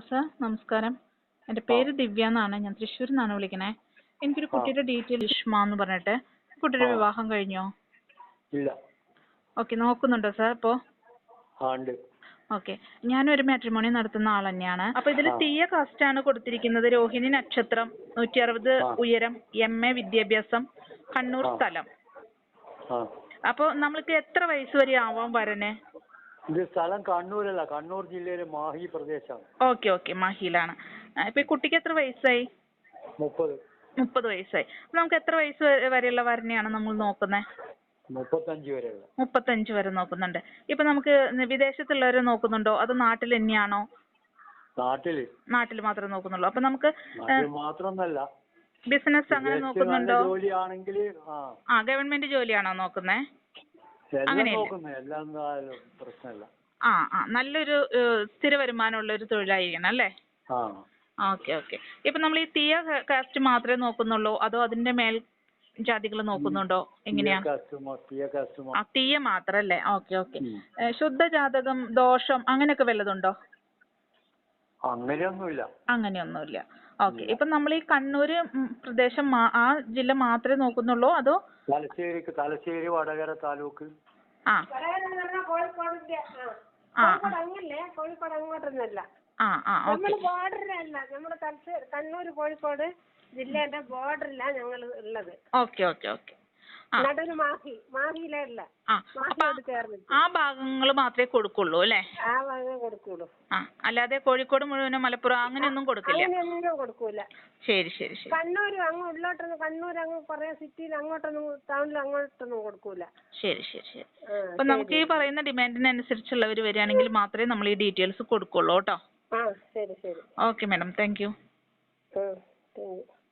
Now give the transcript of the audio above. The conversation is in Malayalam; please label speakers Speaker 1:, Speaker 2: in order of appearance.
Speaker 1: സർ നമസ്കാരം. എൻ്റെ പേര് ദിവ്യ എന്നാണ്. ഞാൻ തൃശ്ശൂരിൽ നിന്നാണ് വിളിക്കണേ. എനിക്കൊരു കുട്ടിയുടെ ഡീറ്റെയിൽ ഇഷ്മ എന്ന് പറഞ്ഞിട്ട്. കുട്ടിയുടെ വിവാഹം കഴിഞ്ഞോ?
Speaker 2: ഇല്ല.
Speaker 1: ഓക്കെ, നോക്കുന്നുണ്ടോ സാർ ഇപ്പോൾ?
Speaker 2: ഉണ്ട്.
Speaker 1: ഓക്കെ, ഞാനൊരു മാട്രിമോണി നടത്തുന്ന ആൾ തന്നെയാണ്. അപ്പോൾ ഇതിൽ തീയ കാസ്റ്റാണ് കൊടുത്തിരിക്കുന്നത്. രോഹിണി നക്ഷത്രം, 160 ഉയരം, MA വിദ്യാഭ്യാസം, കണ്ണൂർ സ്ഥലം. അപ്പോൾ നമ്മൾക്ക് എത്ര വയസ്സ് വരെ ആവാൻ വരണേ?
Speaker 2: ഇത് സ്ഥലം കണ്ണൂരല്ല, കണ്ണൂർ ജില്ലയിലെ മാഹി പ്രദേശമാണ്.
Speaker 1: ഓക്കെ ഓക്കെ, മാഹിയിലാണ്. ഇപ്പൊ ഈ കുട്ടിക്ക് എത്ര വയസ്സായി? 30 വയസ്സായി. അപ്പൊ നമുക്ക് എത്ര വയസ്സ് വരെയുള്ള വരനെയാണ് നമ്മൾ നോക്കുന്നത്?
Speaker 2: 35 വരെയുള്ള.
Speaker 1: 35 വരെ നോക്കുന്നുണ്ട്. ഇപ്പൊ നമുക്ക് വിദേശത്തുള്ളവരെ നോക്കുന്നുണ്ടോ അതോ നാട്ടിൽ തന്നെയാണോ? നാട്ടിൽ മാത്രമേ നോക്കുന്നുള്ളൂ. അപ്പൊ നമുക്ക്
Speaker 2: മാത്രമല്ല,
Speaker 1: ബിസിനസ് അങ്ങനെ നോക്കുന്നുണ്ടോ?
Speaker 2: ജോലിയാണെങ്കിൽ
Speaker 1: ഗവൺമെന്റ് ജോലിയാണോ നോക്കുന്നേ? നല്ലൊരു സ്ഥിര വരുമാനമുള്ള ഒരു തൊഴിലായിരിക്കണം അല്ലേ? Okay okay. ഇപ്പൊ നമ്മൾ ഈ തീയ കാസ്റ്റ് മാത്രമേ നോക്കുന്നുള്ളൂ അതോ അതിന്റെ മേൽ ജാതികൾ നോക്കുന്നുണ്ടോ? എങ്ങനെയാ? തീയ മാത്രല്ലേ? Okay okay. ശുദ്ധ ജാതകം, ദോഷം അങ്ങനെയൊക്കെ വല്ലതുണ്ടോ? അങ്ങനെയൊന്നുമില്ല. ഓക്കെ. ഇപ്പൊ നമ്മൾ ഈ കണ്ണൂര് പ്രദേശം ആ ജില്ല മാത്രമേ നോക്കുന്നുള്ളൂ അതോ
Speaker 2: തലശ്ശേരി വടകര താലൂക്ക്?
Speaker 3: കോഴിക്കോട് അങ്ങോട്ടൊന്നല്ല, ബോർഡറിലല്ല. നമ്മുടെ കണ്ണൂർ കോഴിക്കോട് ജില്ലേന്റെ ബോർഡറിലാണ് ഞങ്ങൾ ഉള്ളത്.
Speaker 1: Okay okay okay.
Speaker 3: നടുവിന് മാഹിയിലല്ല,
Speaker 1: ആ ഭാഗങ്ങൾ മാത്രമേ കൊടുക്കുള്ളൂ അല്ലേ?
Speaker 3: ആ ഭാഗമേ കൊടുക്കുള്ളൂ.
Speaker 1: അല്ലാതെ കോഴിക്കോട് മുഴുവനും മലപ്പുറം അങ്ങനെയൊന്നും കൊടുക്കില്ല?
Speaker 3: അങ്ങനെയൊന്നും കൊടുക്കൂല.
Speaker 1: ശരി ശരി ശരി.
Speaker 3: കണ്ണൂർ അങ്ങ് ഉള്ളോട്ടൊന്നും, കണ്ണൂർ അങ്ങ് കുറെ സിറ്റിയിൽ അങ്ങോട്ടൊന്നും, ടൗണിൽ അങ്ങോട്ടൊന്നും കൊടുക്കൂല.
Speaker 1: ശരി ശരി ശരി. അപ്പൊ നമുക്ക് ഈ പറയുന്ന ഡിമാൻഡിനനുസരിച്ചുള്ളവർ വരികയാണെങ്കിൽ മാത്രമേ നമ്മൾ ഈ ഡീറ്റെയിൽസ് കൊടുക്കുള്ളൂ കേട്ടോ.
Speaker 3: ശരി ശരി.
Speaker 1: Okay madam, thank U.